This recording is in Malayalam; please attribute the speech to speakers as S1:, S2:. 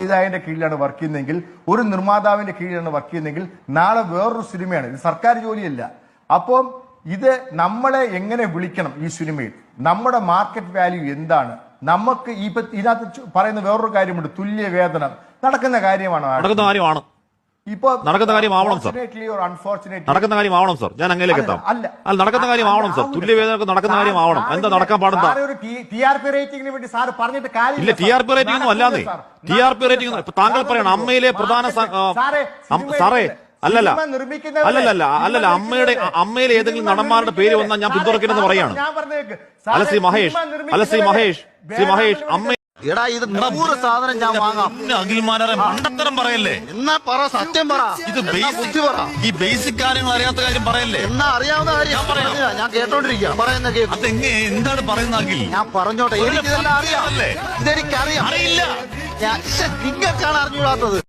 S1: സംവിധായകന്റെ കീഴിലാണ് വർക്ക് ചെയ്യുന്നതെങ്കിൽ, ഒരു നിർമ്മാതാവിന്റെ കീഴിലാണ് വർക്ക് ചെയ്യുന്നതെങ്കിൽ, നാളെ വേറൊരു സിനിമയാണ്. ഇത് സർക്കാർ ജോലിയല്ല. അപ്പം ഇത് നമ്മളെ എങ്ങനെ വിളിക്കണം ഈ സിനിമയിൽ, നമ്മുടെ മാർക്കറ്റ് വാല്യൂ എന്താണ്, നമുക്ക് ഇതിനകത്ത് പറയുന്ന വേറൊരു കാര്യമുണ്ട്, തുല്യ വേതനം നടക്കുന്ന കാര്യമാണ്. ഇപ്പൊ നടക്കുന്ന കാര്യമാവണം സർ,
S2: നടക്കുന്ന കാര്യമാവണം സർ. ഞാൻ അങ്ങനെയൊക്കെ എത്താം. അല്ല, നടക്കുന്ന കാര്യമാവണം സർ. തുല്യവേദനക്ക് നടക്കുന്ന കാര്യമാവണം. എന്താ നടക്കാൻ പാടുന്ന
S1: TRP റേറ്റിംഗിന് വേണ്ടി സാർ പറഞ്ഞിട്ട് കാര്യം
S2: ഇല്ല. TRP റേറ്റിംഗ് ഒന്നും അല്ലാതെ. TRP റേറ്റിംഗ് താങ്കൾ പറയണം അമ്മയിലെ പ്രധാന സാറേ അല്ലല്ല അമ്മയിലെ ഏതെങ്കിലും നടന്മാരുടെ പേര് വന്നാൽ ഞാൻ പിന്തുണയ്ക്കണമെന്ന് പറയാണ്. അല്ല ശ്രീ മഹേഷ് അമ്മ
S3: എടാ ഇത് 100 സാധനം ഞാൻ വാങ്ങാം.
S2: അഖിൽമാരെ മണ്ടത്തരം പറയല്ലേ.
S3: എന്നാ പറ, സത്യം പറ.
S2: ഇത് ബുദ്ധി പറ. ഈ ബേസിക് കാര്യങ്ങൾ അറിയാത്ത കാര്യം പറയല്ലേ.
S3: എന്നാ അറിയാവുന്ന കാര്യം ഞാൻ കേട്ടോണ്ടിരിക്കുക. പറയുന്ന
S2: എന്താണ് പറയുന്ന അഖിൽ?
S3: ഞാൻ പറഞ്ഞോട്ടെ, എനിക്കിതെല്ലാം അറിയാം. ഇതെനിക്കറിയാം.
S2: അറിയില്ല.
S3: നിങ്ങൾക്കാണ് അറിഞ്ഞുകൂടാത്തത്.